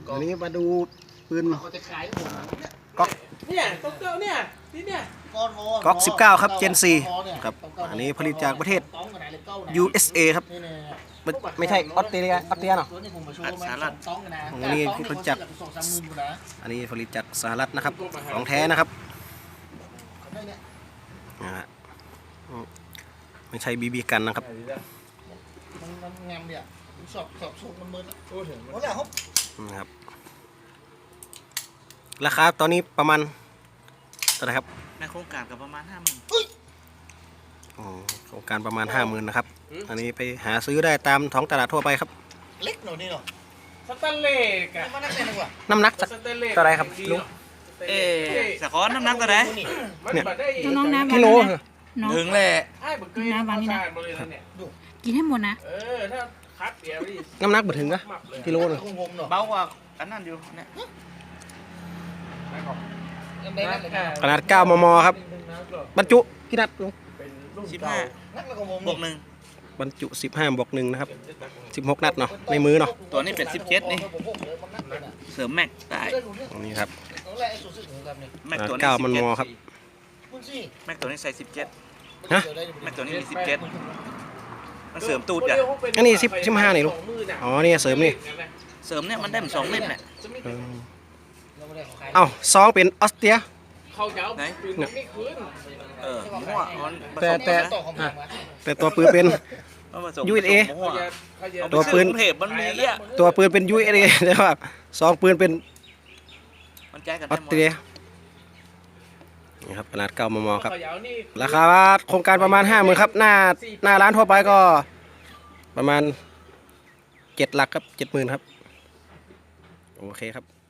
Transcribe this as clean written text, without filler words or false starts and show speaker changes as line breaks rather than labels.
อันนี้มาดูปืน
เขาจะขายผม
ก๊อก
เนี่ยก๊อกเก้าเนี่ยนี่เนี่ย
ก๊อก19ครับ Gen 4ครับอันนี้ผลิตจากประเทศ USA ครับไม่ใช่ออสเตรเลียเนาะสหรัฐอันนี้ผลิตจากสหรัฐนะครับของแท้นะครับไม่ใช่บีบีกันนะครับ
มันงามเนี่ยสอบสูงมันมืดโอ้ถึงหมดแล้วครับ
นะครับราคาตอนนี้ประมาณเท่าไหร่ครับ
ในโครงการกับประมาณ50,000
โครงการประมาณ 50,000นะครับอันนี้ไปหาซื้อได้ตามท้องตลาดทั่วไปครับ
เล็กหน่อยนี่เนาะ
สแตนเลสอะ
มันนักเรียนดีกว่า
น้ำหนักเท่าไหร่ครับลุง
สะคอนน้ำหนักตัวไหน
เนี่ย
น้องน้ำ
กิโล
น้อง
ถึงเลย
ไอ้บึกเกยน้ำนี่นะเนี่ย
กินให้หมดนะ
ถ้าคัดเดี๋ยวดิ
น้ำหนักบ่ถึงนะกิโลหนึง
คงงมเนาะ
เบากว่าอันนั้นอยู่เนี่ย
ขนาด9 มมครับบรรจุกี่นัดลุง
15
นักแล้วก็งม
บวกหนึ่ง
บรรจุ 15+1นะครับ16 นัดเนาะในมือเนาะ
ตัวนี้เป็น17นี่เสริมแม็กได้
อันนี้ครับ
แม็ก
ขนาด
ตัวนี้
9 มมครับ
แม็กตัวนี้ใส่17
ฮะ
แม็กตัวนี้มี17มันเสริมตูดอ่ะ
อันนี้15นี่ลูกอ๋อนี่เสริมนี่
เสริมเนี่ยมันได้เหมือน2เล่มเนี่ย
เอ้าซองเป็นออสเตรีย
เขาจะเอาปืนไม่คืน
มั่วมันผสม
แต่ตัวปืนเป็น
มันผสม
USA
มั่ว
ตัวปืน
เทปมันมีอ่ะ
ตัวปืนเป็น USA แต่ว่าซองปืนเป็น
มันแก้กัน
ออ
ได้
ส
หม
เต
ด
รียนี่ครับขนาด9 มมครับ
เขาจะเอานี่
ราคาโครงการประมาณ 50,000ครับหน้าร้านทั่วไปก็ประมาณ7 หลักครับ 70,000ครับโอเคครับ